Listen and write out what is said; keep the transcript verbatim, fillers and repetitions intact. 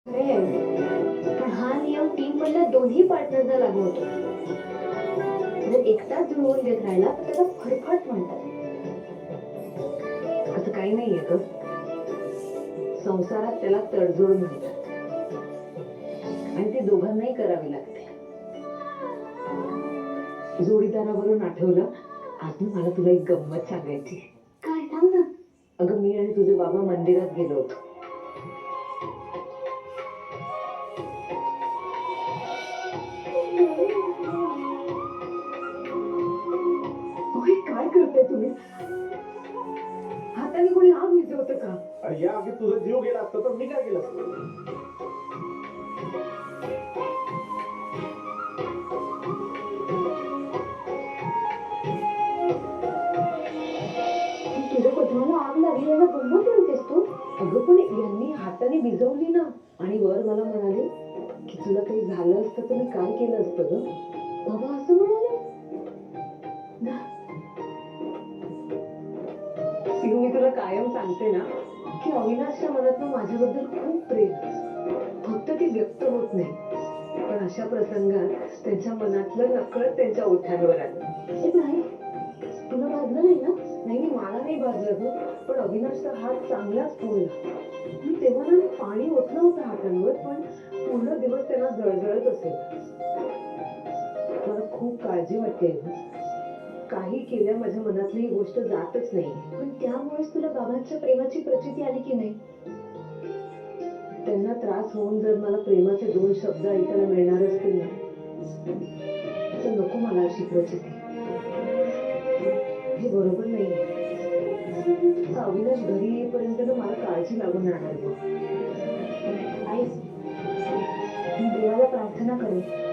खरे आहे. पण हा नियम टीम मधल्या दोन्ही पार्टनरला लागू होतो. जर एकटाच जुळवून देत राहिला तर त्याला फरफट म्हणतात. असं काही नाहीये ग. संसारात त्याला तडजोड म्हणतात आणि ते दोघांनाही करावी लागते. जोडीदारावरून आठवलं, आज ना मला तुला एक गंमत सांगायची. काय सांग ना. अगं मी आणि तुझे बाबा मंदिरात गेलो होतो. ओय, काय करताय तुम्ही? हाताने कोणी आग विझवतं का? अरे या आगीत तुझा जीव गेला असता तर मी काय केलं असतं? तुझ्या पत्राला आग लागली याला गंमत म्हणतेस तू? अगं पण यांनी हाताने भिजवली ना. आणि वर मला म्हणाले की तुला काही झालं असतं तर मी काय केलं असतं ग. बाबा असं म्हणाले? सिंह, मी तुला कायम सांगते ना की अविनाशच्या मनात माझ्याबद्दल खूप प्रेम. फक्त ते व्यक्त होत नाही. पण अशा प्रसंगात त्यांच्या मनातलं नकळत त्यांच्या ओठांवर आलं. हे नाही, तुला भाजलं नाही ना? नाही, मी मला नाही भाजलं ग. पण अविनाशचा हात चांगलाच पोळला. मी तेव्हा ना पाणी ओतलं होतं हातांवर, पण पूर्ण दिवस त्यांना जळजळत असेल. मला खूप काळजी वाटते. काही केल्या माझ्या मनातली ही गोष्ट जातच नाही. पण त्यामुळेच तुला बाबांच्या प्रेमाची प्रचिती आली की नाही? त्यांना त्रास होऊन जर मला प्रेमाचे दोन शब्द ऐकायला मिळणार असतील ना तर नको मला अशी प्रचिती. हे बरोबर नाही. अविनाश घरी येईपर्यंत ना मला काळजी लागून राहणार. आई, मी देवाला प्रार्थना करेन